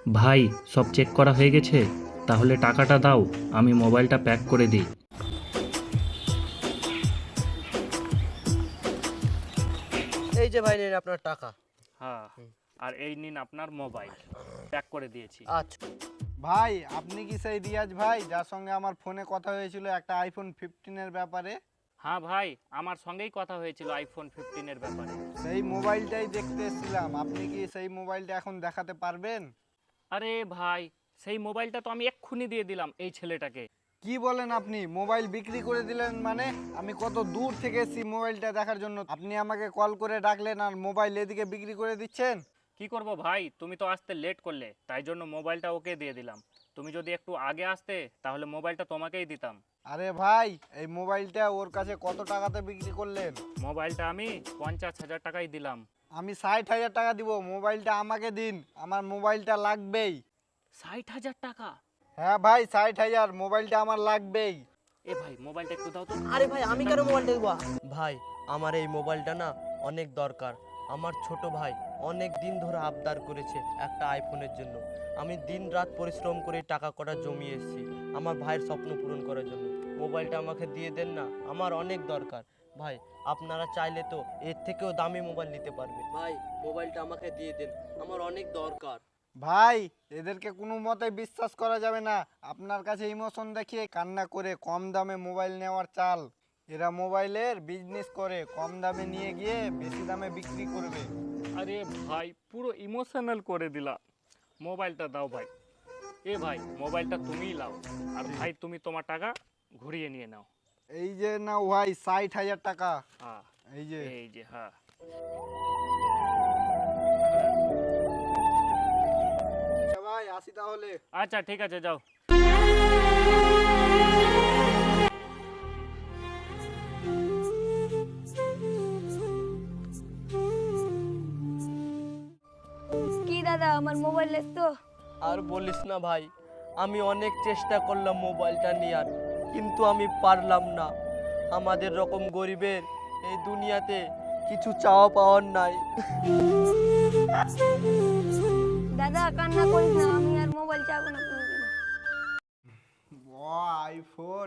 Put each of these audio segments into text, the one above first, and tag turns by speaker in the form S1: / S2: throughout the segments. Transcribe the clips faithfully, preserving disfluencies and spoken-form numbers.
S1: ভাই, সব চেক করা হয়ে গেছে? তাহলে টাকাটা দাও, আমি মোবাইলটা প্যাক করে দিই।
S2: এই যে ভাই নেন আপনার টাকা।
S1: হ্যাঁ, আর এই নিন আপনার মোবাইল, প্যাক করে দিয়েছি।
S2: আচ্ছা।
S3: ভাই আপনি কি সেই রিয়াজ ভাই যার সঙ্গে আমার ফোনে কথা হয়েছিল একটা আইফোন ফিফটিনের ব্যাপারে?
S1: হ্যাঁ ভাই, আমার সঙ্গেই কথা হয়েছিল আইফোন ফিফটিনের ব্যাপারে।
S3: সেই মোবাইলটাই দেখতে এসেছিলাম, আপনি কি সেই মোবাইলটা এখন দেখাতে পারবেন?
S1: আরে ভাই, সেই মোবাইলটা তো আমি এক্ষুনি দিয়ে দিলাম এই ছেলেটাকে।
S3: কি বলেন আপনি মোবাইল বিক্রি করে দিলেন? মানে আমি কত দূর থেকে এসেছি মোবাইলটা দেখার জন্য, আপনি আমাকে কল করে ডাকলেন আর মোবাইল এদিকে বিক্রি করে দিচ্ছেন?
S1: কি করব ভাই, তুমি তো আসতে লেট করলে, তাই জন্য মোবাইলটা ওকে দিয়ে দিলাম। তুমি যদি একটু আগে আসতে তাহলে মোবাইলটা তোমাকেই দিতাম।
S3: আরে ভাই এই মোবাইলটা ওর কাছে কত টাকাতে বিক্রি করলেন?
S1: মোবাইলটা আমি পঞ্চাশ হাজার টাকাই দিলাম।
S3: আমি ষাট হাজার টাকা দিব, মোবাইলটা আমাকে দিন, আমার মোবাইলটা লাগবেই।
S1: ষাট হাজার টাকা?
S3: হ্যাঁ ভাই ষাট হাজার, মোবাইলটা আমার লাগবেই।
S1: এ ভাই, মোবাইলটা একটু দাও তো।
S2: আরে ভাই আমি কেন মোবাইলটা দেবো? ভাই আমার এই মোবাইলটা না অনেক দরকার। আমার ছোট ভাই অনেক দিন ধরে আবদার করেছে একটা আইফোনের জন্য। আমি দিন রাত পরিশ্রম করে টাকা কটা জমিয়ে এসেছি আমার ভাইয়ের স্বপ্ন পূরণ করার জন্য। মোবাইলটা আমাকে দিয়ে দেন না, আমার অনেক দরকার। ভাই আপনারা চাইলে তো এর থেকেও দামি মোবাইল নিতে পারবেন। ভাই মোবাইলটা আমাকে দিয়ে দেন, আমার অনেক দরকার।
S3: ভাই এদেরকে কোনো মতে বিশ্বাস করা যাবে না, আপনার কাছে ইমোশন দেখিয়ে কান্না করে কম দামে মোবাইল নেওয়ার চাল। এরা মোবাইলের বিজনেস করে, কম দামে নিয়ে গিয়ে বেশি দামে বিক্রি করবে।
S1: আরে ভাই, পুরো ইমোশনাল করে দিলা। মোবাইলটা দাও ভাই। এ ভাই, মোবাইলটা তুমিই লাও, আর ভাই তুমি তোমার টাকা ঘুরিয়ে নিয়ে নাও।
S3: এই যে নাও ভাই ষাট হাজার টাকা।
S1: হ্যাঁ,
S3: এই যে
S1: এই যে, হ্যাঁ।
S3: আচ্ছা ভাই আসি তাহলে।
S1: আচ্ছা ঠিক আছে, যাও।
S4: কি দাদা আমার মোবাইল তো?
S2: আর বলিস না ভাই, আমি অনেক চেষ্টা করলাম মোবাইলটা নেওয়ার, কিন্তু আমি পারলাম না। আমাদের রকম গরিবের এই দুনিয়াতে কিছু চাওয়া পাওয়ার নাই।
S4: দাদা কান্না করিস না, আমি আর মোবাইল চাবো না কোনোদিন।
S3: আইফোন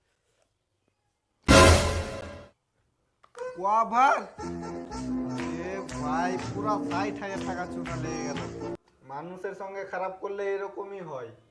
S3: কভার, এ ভাই পুরা ষাট হাজার টাকা চুনা লেগে গেল। মানুষের সঙ্গে খারাপ করলে এরকমই হয়।